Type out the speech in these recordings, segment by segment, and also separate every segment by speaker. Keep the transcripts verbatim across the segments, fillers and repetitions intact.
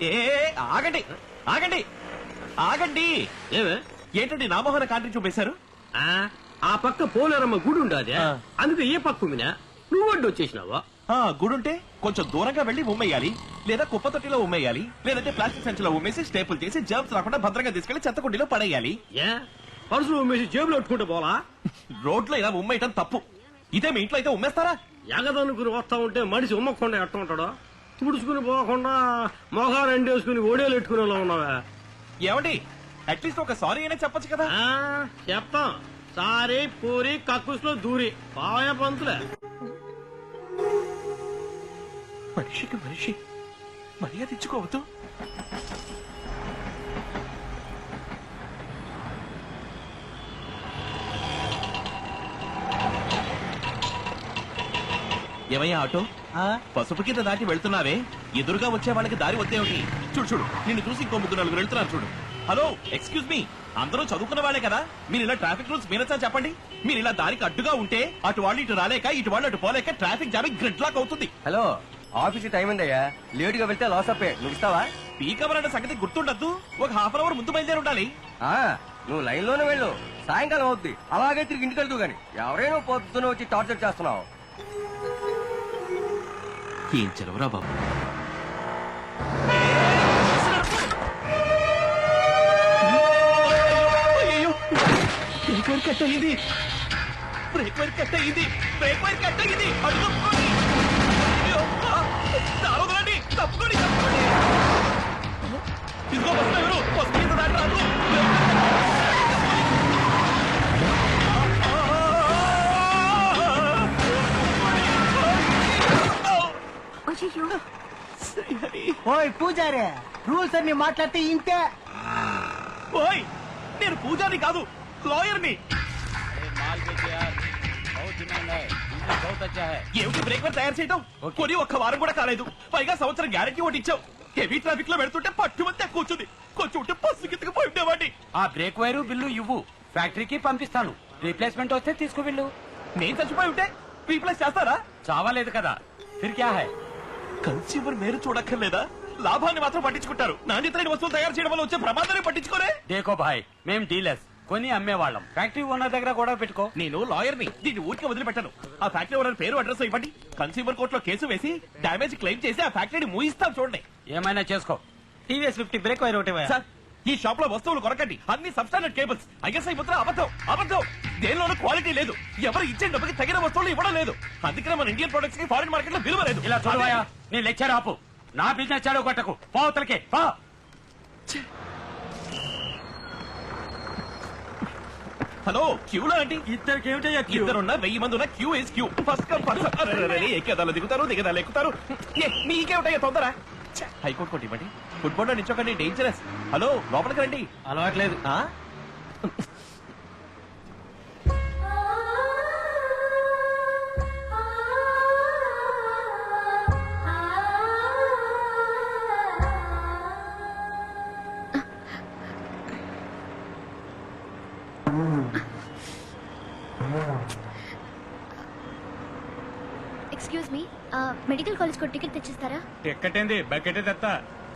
Speaker 1: ఏ ఆగండి ఆగండి ఆగండి.
Speaker 2: ఏమే
Speaker 1: ఏంటండి నామోహన కాంట్రీ చూపేశారు?
Speaker 2: ఆ పక్క పోలేరమ్మ గుడి ఉండదే, అందుకే ఏ పక్క ఉమ్మినా నువ్వు అడ్డు వచ్చేసినావా?
Speaker 1: గుడుంటే కొంచెం దూరంగా వెళ్లి ఉమ్మేయాలి, లేదా కుప్ప తొట్టిలో ఉమ్మేయాలి, లేదంటే ప్లాస్టిక్ సంచిలో ఉమ్మేసి స్టేపుల్ చేసి జర్మ్స్ రాకుండా భద్రంగా తీసుకెళ్లి చెత్తకుండీలో పడేయాలి.
Speaker 2: ఏ పరుసులు ఉమ్మేసి జేబులో పెట్టుకుంటే పోలా?
Speaker 1: రోడ్లో ఇలా ఉమ్మేయటం తప్పు. ఇదే మీ ఇంట్లో అయితే ఉమ్మేస్తారా?
Speaker 2: ఎగదనుకుని వస్తా ఉంటే మనిషి ఉమ్మకుండా ఎట్ట ఉంటాడో తుడుచుకుని పోకుండా మొహాలు ఎండేసుకుని ఓడేలు ఎట్టుకునేలా ఉన్నావా?
Speaker 1: ఏమండి అట్లీస్ట్ ఒక సారీ అయినా చెప్పొచ్చు కదా.
Speaker 2: చెప్తాం. సారీ పూరి కక్కుస్లో దూరి పాయ పంతులే.
Speaker 1: మనిషికి మనిషి మర్యాద ఇచ్చుకోవద్దు. ఏమయ్యా ఆటో, పసుపు కింద దాటి వెళ్తున్నావే, ఎదురుగా వచ్చే వాళ్ళకి దారి వద్దేమిటి? చూడు చూడు, నిన్ను చూసి ఇంకో ముగ్గురు నలుగురు వెళ్తున్నారు చూడు. హలో ఎక్స్క్యూజ్ మీ, అందరూ చదువుకున్న వాళ్ళే కదా, మీరు ఇలా ట్రాఫిక్ రూల్స్ మీరచ్చా చెప్పండి. మీరు ఇలా దారికి అడ్డుగా ఉంటే అటు వాళ్ళు ఇటు రాలేక, ఇటు వాళ్ళు అటు పోలేక ట్రాఫిక్ జామ్ గ్రిడ్ లాక్ అవుతుంది.
Speaker 3: హలో ఆఫీస్ టైం ఉందయ్యా, లేట్ గా వెళ్తే లాస్ అప్పే. నువ్వు ఇస్తావా?
Speaker 1: పీక్ అవర్ అనే సంగతి గుర్తుండద్దు. ఒక హాఫ్ అన్ అవర్ ముందు బయలుదేరి ఉండాలి.
Speaker 3: నువ్వు లైన్ లోనే వెళ్ళు, సాయంకాలం అవుద్ది. అలాగే తిరిగి ఇంటికి వెళ్తూ గాని ఎవరైనా పొద్దున వచ్చి టార్చర్ చేస్తున్నావు.
Speaker 1: ఏం చెలవరా బాబు. బ్రేక్ వైర్ కట్ అయ్యింది, బ్రేక్ వైర్ కట్ అయ్యింది, బ్రేక్ వైర్ కట్ అయ్యింది. తప్పుకోండి తప్పుకోండి తప్పుకోండి. ఇదిగో బస్సు ఎవరు బస్సు మీద దాటి రాదు.
Speaker 4: ఓయ్ పూజారే, రూల్స్ అన్ని మాట్లాడితే ఇంతే.
Speaker 1: ఓయ్ నేను పూజారి కాదు, లాయర్ని. ఏమిటి బ్రేక్ వైర్ తయారు చేయడం? కొని ఒక్క వారం కూడా కాలేదు, పైగా సంవత్సరం గ్యారెంటీ ఒకటి ఇచ్చావు. హెవీ ట్రాఫిక్ లో పెడుతుంటే పట్టుమంతే కూర్చుంది, కొంచెం ఉంటే పస్సు కిందకి పోయి ఉండేవాడి.
Speaker 5: ఆ బ్రేక్ వైరు బిల్లు ఇవ్వు, ఫ్యాక్టరీకి పంపిస్తాను. రీప్లేస్మెంట్ వస్తే తీసుకువెళ్ళు.
Speaker 1: నేను చచ్చిపోయి ఉంటే రీప్లేస్ చేస్తారా?
Speaker 5: చావాలేదు కదా, ఫిర్ క్యా హై?
Speaker 1: కన్స్యూమర్ మేరు చూడక్కర్లేదా? లాభాన్ని మాత్రం పట్టించుకుంటారు, నాణ్యతైన వస్తువులు తయారు చేయడం వల్ల వచ్చే ప్రమాదాన్ని పట్టించుకోరే.
Speaker 5: దేకో భాయ్, మేం డీలర్స్, కొని అమ్మేవాళ్ళం. ఫ్యాక్టరీ ఓనర్ దగ్గర గొడవ పెట్టుకో.
Speaker 1: నేను లాయర్ని, దీన్ని ఊరికి వదిలిపెట్టాను. ఆ ఫ్యాక్టరీ ఓనర్ పేరు అడ్రస్ ఇవ్వండి, కన్స్యూమర్ కోర్టులో కేసు వేసి డామేజ్ క్లెయిమ్ చేసి ఆ ఫ్యాక్టరీని మూయిస్తాను చూడండి.
Speaker 5: ఏమైనా చేసుకో.
Speaker 4: టీవీఎస్ ఫిఫ్టీ బ్రేక్ వైర్ ఒకటి.
Speaker 1: సార్ ఈ షాప్ లో వస్తువులు కొరకండి, అన్ని సబ్స్టాండర్డ్ కేబుల్స్. ఐఎస్ఐ ముద్ర అబద్ధం అబద్ధం, దేనిలోనూ క్వాలిటీ లేదు, ఎవరు ఇచ్చే డబ్బుకి తగిన వస్తువులు ఇవ్వడం లేదు. అందుకనే మన ఇండియన్ ప్రొడక్ట్స్ కి ఫారిన్ మార్కెట్ లో విలువ లేదు.
Speaker 5: ఇలా చూడవా, నీ లెక్చర్ ఆపు. నా బిజినెస్ చాలు కొట్టకు, పోతలకి పో.
Speaker 1: హలో క్యూలో అండి.
Speaker 2: ఇద్దరికి ఏమిటయ్యా?
Speaker 1: ఇద్దరున్న వెయ్యి మంది ఉన్న queue is queue. First come first ఎక్కేదాలు దిగుతారు, దిగదాలు ఎక్కుతారు. మీకేమిటయ్యా తొందర? హైకోర్టు కోర్టు ఇవ్వండి, ఫుట్బాల్ లో నిచ్చోకండి, డేంజరస్. హలో లోపలికి రండి.
Speaker 4: అలవాట్లేదు.
Speaker 6: ఎక్స్క్యూజ్ మీ, మెడికల్ కాలేజ్ కు టికెట్ తెచ్చిస్తారా?
Speaker 5: టికెట్ ఏంది, బకెట్ తెస్తా.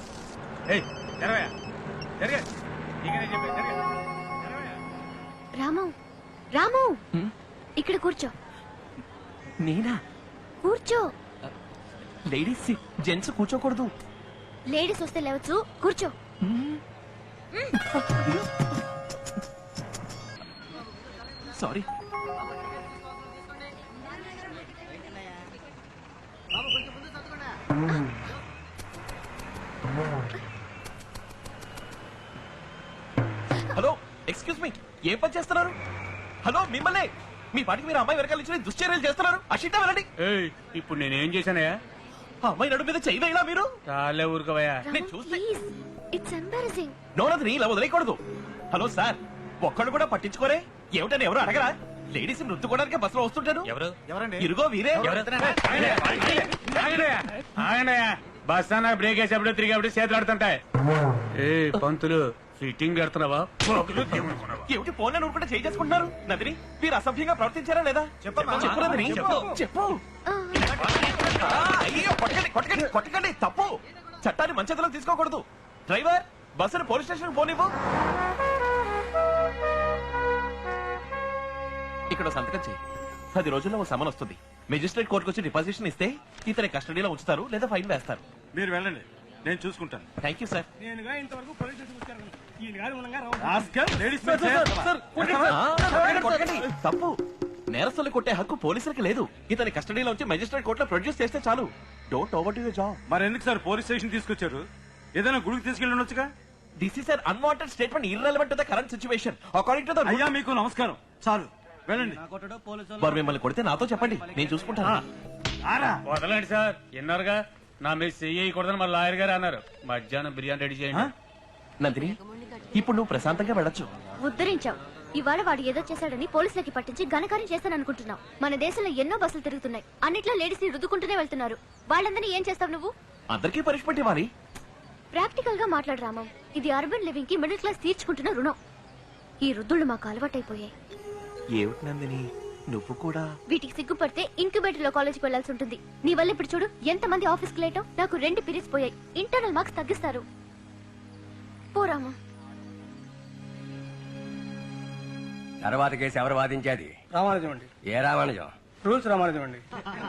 Speaker 6: రాము రాము ఇక్కడ కూర్చో.
Speaker 1: నేనా?
Speaker 6: కూర్చో.
Speaker 1: లేడీస్ జెంట్స్ కూర్చోకూడదు.
Speaker 6: లేడీస్ వస్తే లేవచ్చు, కూర్చో.
Speaker 1: సారీ. హలో ఎక్స్క్యూజ్ మీ, ఏం పని చేస్తున్నారు? హలో మిమ్మల్ని, మీ పాటికి మీరు అమ్మాయి వెనకాల నుంచి దుశ్చర్యలు చేస్తున్నారు. అషిట వెళ్ళండి.
Speaker 5: ఇప్పుడు నేనేం చేశానయ్యా?
Speaker 1: అమ్మాయి నడు మీద చెయ్యి వేయలా మీరు?
Speaker 5: చాలే ఊరుకోవయ్యా.
Speaker 1: నేను చూస్తే
Speaker 6: ఇట్స్ ఎంబారసింగ్.
Speaker 1: నోనది ఇలా వదిలేయకూడదు. హలో సార్, ఒక్కడు కూడా పట్టించుకోరే? ఏమిటని ఎవరు అడగరా? లేడీస్ నృత్తుకోవడానికి బస్సులో వస్తుంటారు.
Speaker 5: ఎవరు?
Speaker 1: ఎవరండి? ఇరుగో వీరే.
Speaker 5: బస్ అన్న బ్రేక్ వేసేప్పుడు తిరిగేప్పుడు చేతులు ఆడుతుంటాయి. ఏ పంతులు ఫిట్టింగ్ కడుతున్నావా?
Speaker 1: ఏమిటి ఫోన్ ఊరుకుంటే చేయి చేసుకుంటున్నారు? నందిని మీరు అసభ్యంగా ప్రవర్తించారా లేదా? చెప్పు నందిని, చెప్పు. అయ్యో కొట్టకండి కొట్టకండి కొట్టకండి, తప్పు చట్టాన్ని మంచితలో తీసుకోకూడదు. డ్రైవర్, బస్సును పోలీస్ స్టేషన్ పోనివ్వు. ఇక్కడ సంతకం చేయి. పది రోజుల్లో ఓ సమన్ వస్తుంది. మెజిస్ట్రేట్ కోర్టుకు వచ్చి డిపాజిషన్ ఇస్తే ఇతని కస్టడీలో ఉంచుతారు లేదా ఫైన్ వేస్తారు.
Speaker 7: మీరు వెళ్ళండి, నేను చూసుకుంటాను.
Speaker 1: Thank you sir.
Speaker 2: నేనుగా ఇంతవరకు పోలీస్ స్టేషన్ వచ్చాను. ఈయన గారు ఉండగా రావు.
Speaker 7: రాస్కల్, లేడీస్
Speaker 1: ఆ, కొట్టండి, కొట్టండి. తప్పు. నేరస్తులు కొట్టే హక్కు పోలీసులకు లేదు. ఇతని కస్టడీలో ఉంచి మెజిస్ట్రేట్ కోర్టులో ప్రొడ్యూస్ చేస్తే చాలు. Don't over to your job.
Speaker 7: మరి ఎందుకు సార్ పోలీస్ స్టేషన్ తీసుకొచ్చారు? ఏదైనా గుడికి తీసుకెళ్ళి ఉండొచ్చుగా.
Speaker 1: This is an unwanted statement, irrelevant to the current situation. According to the
Speaker 7: అయ్యా మీకు నమస్కారం, చాలు వెళ్ళండి.
Speaker 1: వారు మిమ్మల్ని కొడితే నాతో చెప్పండి, నేను చూసుకుంటాను.
Speaker 7: ఆరా
Speaker 5: వదలండి సార్, విన్నారుగా నా మీద చెయ్యకూడదని మా లాయర్ గారు అన్నారు. మధ్యాహ్నం బిర్యానీ రెడీ చేయండి.
Speaker 1: నందిని, ఇప్పుడు నువ్వు ప్రశాంతంగా వెళ్ళొచ్చు.
Speaker 6: ఉద్ధరించావు. ఇవాళ వాడు ఏదో చేశాడని పోలీసులకి పట్టించి ఘనకార్యం చేస్తాననుకుంటున్నావు. మన దేశంలో ఎన్నో బస్సులు తిరుగుతున్నాయి. అన్నిట్లో లేడీస్ ని రుద్దుకుంటూనే వెళ్తున్నారు. వాళ్ళందరినీ ఏం చేస్తావు నువ్వు?
Speaker 1: అందరికీ పనిష్మెంట్ ఇవ్వాలి.
Speaker 6: ప్రాక్టికల్ గా మాట్లాడు రామం. ఇది అర్బన్ లివింగ్ కి మిడిల్ క్లాస్ తీర్చుకుంటున్న రుణం. ఈ రుద్దుళ్ళు మాకు అలవాటైపోయాయి.
Speaker 1: ఏమిటి నందిని, నువ్వు కూడా
Speaker 6: వీటికి సిగ్గుపడితే ఇంక్యుబేటర్ లో కాలేజ్కి వెళ్లాల్సి ఉంటుంది. నీ వల్ల ఇప్పుడు చూడు ఎంత మంది ఆఫీస్ కి లేటో. నాకు రెండు పీరియడ్స్ పోయాయి. ఇంటర్నల్ మార్క్స్ తగ్గిస్తారు. పోరామా.
Speaker 3: తర్వాత కేసు ఎవరు వాదించేది?
Speaker 2: రామానుజం అండి.
Speaker 3: ఏ రామానుజం?
Speaker 2: రూల్స్ రామానుజం అండి.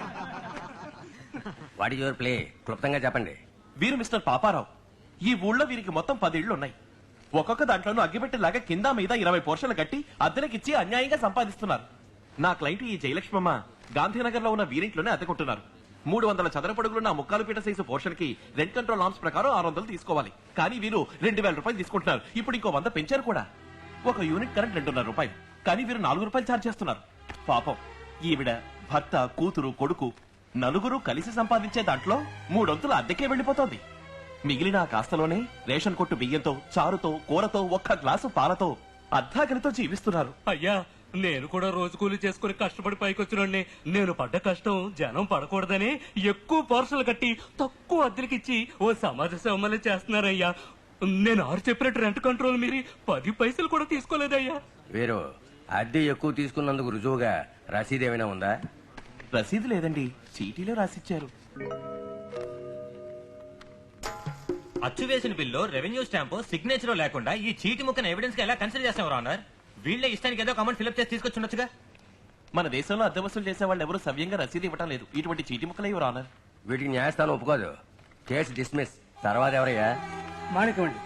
Speaker 3: What is your play? క్లుప్తంగా చెప్పండి.
Speaker 1: వీరు మిస్టర్ పాపారావు. ఈ ఊళ్ళో వీరికి మొత్తం పది ఇళ్లు ఉన్నాయి. ఒక్కొక్క దాంట్లోనూ అగ్గిపెట్టేలాగా కింద మీద ఇరవై పోర్షన్లు కట్టి అద్దెలకిచ్చి అన్యాయంగా సంపాదిస్తున్నారు. నా క్లయింట్ ఈ జయలక్ష్మమ్మ గాంధీనగర్ లో ఉన్న వీరింట్లోనే అద్దెకుంటున్నారు. మూడు వందల చదరపడుగులున్న ముక్కాలు పీట సైజు పోర్షన్ కి రెంట్ కంట్రోల్ నామ్స్ ప్రకారం ఆరు వందలు తీసుకోవాలి. కానీ వీరు రెండు వేల రూపాయలు తీసుకుంటున్నారు. ఇప్పుడు ఇంకో వంద పెంచారు కూడా. ఒక యూనిట్ కరెంట్ రెండున్నర రూపాయలు, కానీ వీరు నాలుగు రూపాయలు ఛార్జ్ చేస్తున్నారు. పాపం, ఈవిడ భర్త, కూతురు, కొడుకు నలుగురు కలిసి సంపాదించే దాంట్లో మూడొంతులు అద్దెకే వెళ్లిపోతోంది. మిగిలిన ఆ కాస్తలోనే రేషన్ కొట్టు బియ్యంతో, చారుతో, కూరతో, ఒక్క గ్లాసు పాలతో అర్ధాకలితో జీవిస్తున్నారు.
Speaker 8: అయ్యా, నేను కూడా రోజు కూలి చేసుకుని కష్టపడి పైకొచ్చినండి. నేను పడ్డ కష్టం జనం పడకూడదని ఎక్కువ పార్సల్ కట్టి తక్కువ అద్దెలకిచ్చి ఓ సమాజ సేవమని చేస్తున్నారయ్యా. నేను ఆరు చెప్పినట్టు రెంట్ కంట్రోల్ మీరి పది పైసలు కూడా తీసుకోలేదయ్యా.
Speaker 3: వీరు అద్దె ఎక్కువ తీసుకున్నందుకు రుజువుగా రసీదు ఏమైనా ఉందా?
Speaker 1: రసీదు లేదండి, చీటీలో రాసిచ్చారు.
Speaker 9: అచ్చు వేసిన బిల్లు, రెవెన్యూ స్టాంపు, సిగ్నేచర్ లేకుండా ఈ చీటి ముక్కను ఎవిడెన్స్ గా ఎలా కన్సిడర్ చేస్తాం రానర్? వీళ్ళే ఇష్టానికి ఏదో కమెంట్ ఫిల్అప్ చేసి తీసుకొచ్చుండొచ్చుగా.
Speaker 1: మన దేశంలో అద్దె వసూలు చేసే వాళ్ళు ఎవరు సవ్యంగా రసీదు ఇవ్వటం లేదు. ఇటువంటి చీటి ముక్కలే ఇవ్వరు ఆనర్.
Speaker 3: వీటికి న్యాయస్థానం ఒప్పుకోదు. Case dismiss. తర్వాత ఎవరయ్యా?
Speaker 2: మాణిక్యం అండి.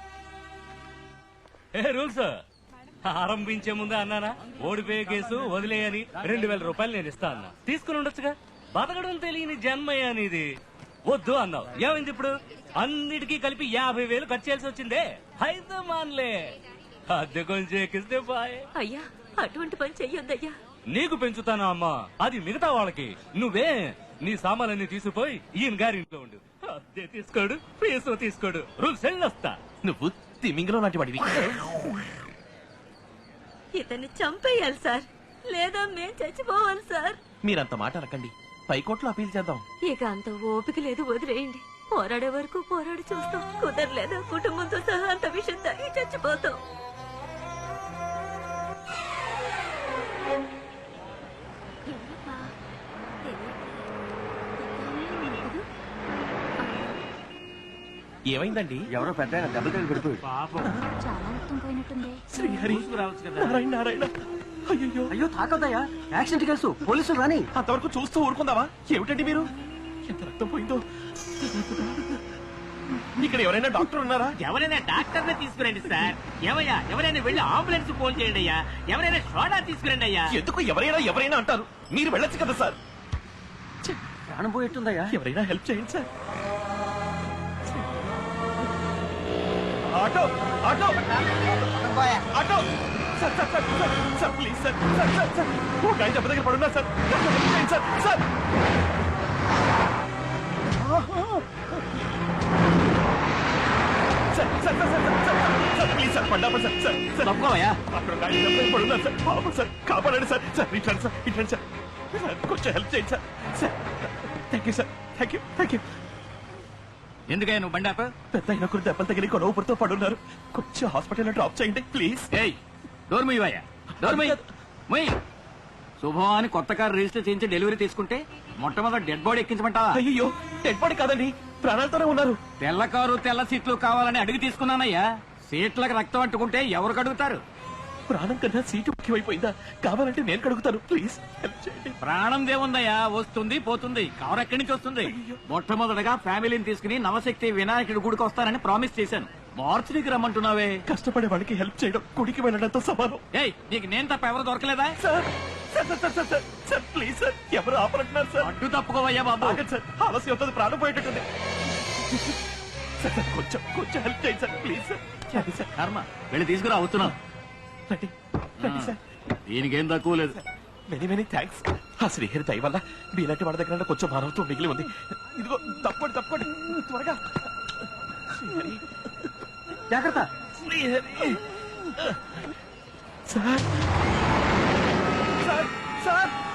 Speaker 8: ఏ రూల్స్ ఆరంభించే ముందే అన్నానా ఓడిపోయే కేసు వదిలేయని రెండు వేల రూపాయలు నేను ఇస్తా అన్నా. తీసుకుని ఉండొచ్చుగా. బతకడం తెలియని జన్మయ్య అనేది. వద్దు అన్నావు. ఏమైంది ఇప్పుడు? అన్నిటికీ కలిపి యాభై వేలు ఖర్చు చేయాల్సి వచ్చిందే. అయితే మాన్లే, అద్దె కొంచెం ఎక్కిస్తే బాయ్.
Speaker 10: అయ్యా, అటువంటి పని చెయ్యొద్దయ్యా.
Speaker 8: నీకు పెంచుతానా అమ్మా, అది మిగతా వాళ్ళకి. నువ్వే నీ సామాన్లన్నీ తీసుకుపోయి ఈయన గారి ఇంట్లో ఉండు. అద్దె తీసుకోడు, ఫీజు తీసుకోడు. రూల్స్ వెళ్ళొస్తా.
Speaker 1: నువ్వు తిమింగలో లాంటి వాడివి.
Speaker 10: ఇతన్ని చంపేయాలి సార్, లేదా మేం చచ్చిపోవాలి సార్.
Speaker 1: మీరంత మాట అనకండి. పైకోట్లో అపీల్ చేద్దాం.
Speaker 10: ఇక అంత ఓపిక లేదు, వదిలేయండి. పోరాడే వరకు పోరాడి చూస్తాం. కుదరలేదా కుటుంబంతో సహా అంత విషయం తాగి చచ్చిపోతాం.
Speaker 1: ఏమైందండి?
Speaker 3: ఎవరో పెద్ద దెబ్బలు తగిలి పడిపోయి.
Speaker 6: చాలా మొత్తం పోయినట్టుంది.
Speaker 1: శ్రీహరి, నారాయణ, నారాయణ. అయ్యో,
Speaker 4: అయ్యో తాకొద్దయ్యా, యాక్సిడెంట్ కేసు, పోలీసులు రాని.
Speaker 1: అంతవరకు చూస్తూ ఊరుకుందావా? ఏమిటండి మీరు? ఎంత రక్తం పోయిందో. ఇక్కడ ఎవరైనా డాక్టర్ ఉన్నారా?
Speaker 11: ఎవరైనా డాక్టర్ ని తీసుకురండి సార్. ఏమయ్యా, ఎవరైనా వెళ్ళి అంబులెన్స్ ఫోన్ చేయండి అయ్యా. ఎవరైనా సోడా తీసుకురండి అయ్యా.
Speaker 1: ఎందుకు ఎవరైనా ఎవరైనా అంటారు? మీరు వెళ్ళొచ్చు కదా సార్.
Speaker 4: ప్రాణం పోయేట్టుందయ్యా.
Speaker 1: ఎవరైనా హెల్ప్ చేయండి sir. Auto, auto, auto. Sir, sir, sir, sir, sir, please sir, sir, sir, sir. ఒక ఆయన దెబ్బ దగ్గర పడున్నా సార్. హెల్ప్ చేయండి sir, sir. Sir, sir, sir, sir, sir, sir, please sir, పడ్డాపా సార్, సార్, సార్.
Speaker 11: తప్పుకోవయ్యా.
Speaker 1: అక్కడ ఒక ఆయన దెబ్బ దగ్గర పడున్నా సార్. పాపం సార్, కాపాడండి సార్. సార్, ఇట్లాండి సార్, ఇట్లాండి సార్. సార్, కొంచెం హెల్ప్ చేయండి sir. Sir, thank you sir, thank you, thank you.
Speaker 11: ఎందుకయ్యా నువ్వు బండాప?
Speaker 1: పెద్ద అయిన కొన్ని దెబ్బలు తగిలి కొనవుపురితో పడున్నారు. కొంచెం హాస్పిటల్లో డ్రాప్ చేయండి ప్లీజ్.
Speaker 11: ఏయ్, డోర్ ముయ్యవయ్యా, డోర్ ముయ్యి. ముయ్యి. శుభం అని కొత్త కారు రిజిస్టర్ చేయించి డెలివరీ తీసుకుంటే మొట్టమొదటి డెడ్ బాడీ ఎక్కించమంటావా?
Speaker 1: అయ్యో, డెడ్ బాడీ కాదండి, ప్రాణాలతోనే ఉన్నారు.
Speaker 11: తెల్ల కారు తెల్ల సీట్లు కావాలని అడిగి తీసుకున్నానయ్యా. సీట్లకు రక్తం అంటుకుంటే ఎవరు కడుగుతారు?
Speaker 1: ప్రాణం కన్నా సీటు ముఖ్యమైపోయిందా? కావాలంటే నేను కడుగుతాను, ప్లీజ్ హెల్ప్ చేయండి.
Speaker 11: ప్రాణం దేవుందయ్యా, వస్తుంది పోతుంది. కారు ఎక్కడి నుంచి వస్తుంది? మొట్టమొదటగా ఫ్యామిలీని తీసుకుని నవశక్తి వినాయకుడి గుడికి వస్తానని ప్రామిస్ చేశాను. మార్చికి రమ్మంటున్నావే.
Speaker 1: కష్టపడే వాళ్ళకి హెల్ప్ చేయడం గుడికి వెళ్ళడంతో సమానం.
Speaker 11: ఏయ్, నీకు నేను తప్ప ఎవరు దొరకలేదా?
Speaker 1: Sir sir sir sir sir sir please sir, ఎవరు ఆపరంటున్నారు సార్?
Speaker 11: అడ్డు తప్పుకోవయ్యా బాబు.
Speaker 1: ఆగండి సార్, ఆలస్యం అవుతుంది, ప్రాణం పోయేటట్టుంది. సార్ సార్ కొంచెం కొంచెం హెల్ప్ చేయండి సార్, ప్లీజ్ సార్. రండి సార్,
Speaker 11: కర్మ, వెళ్ళి తీసుకురా, అవుతున్నాం.
Speaker 1: రండి రండి సార్.
Speaker 11: దీనికేం తక్కువ లేదు.
Speaker 1: Many many thanks. ఆ శ్రీహరి దయ వల్ల మీలాంటి వాళ్ళ దగ్గర కొంచెం మానవత్వం మిగిలి ఉంది. ఇదిగో తప్పండి తప్పండి త్వరగా. శ్రీహరి
Speaker 4: జాగ్రత్త.
Speaker 1: Srihari sir sir sir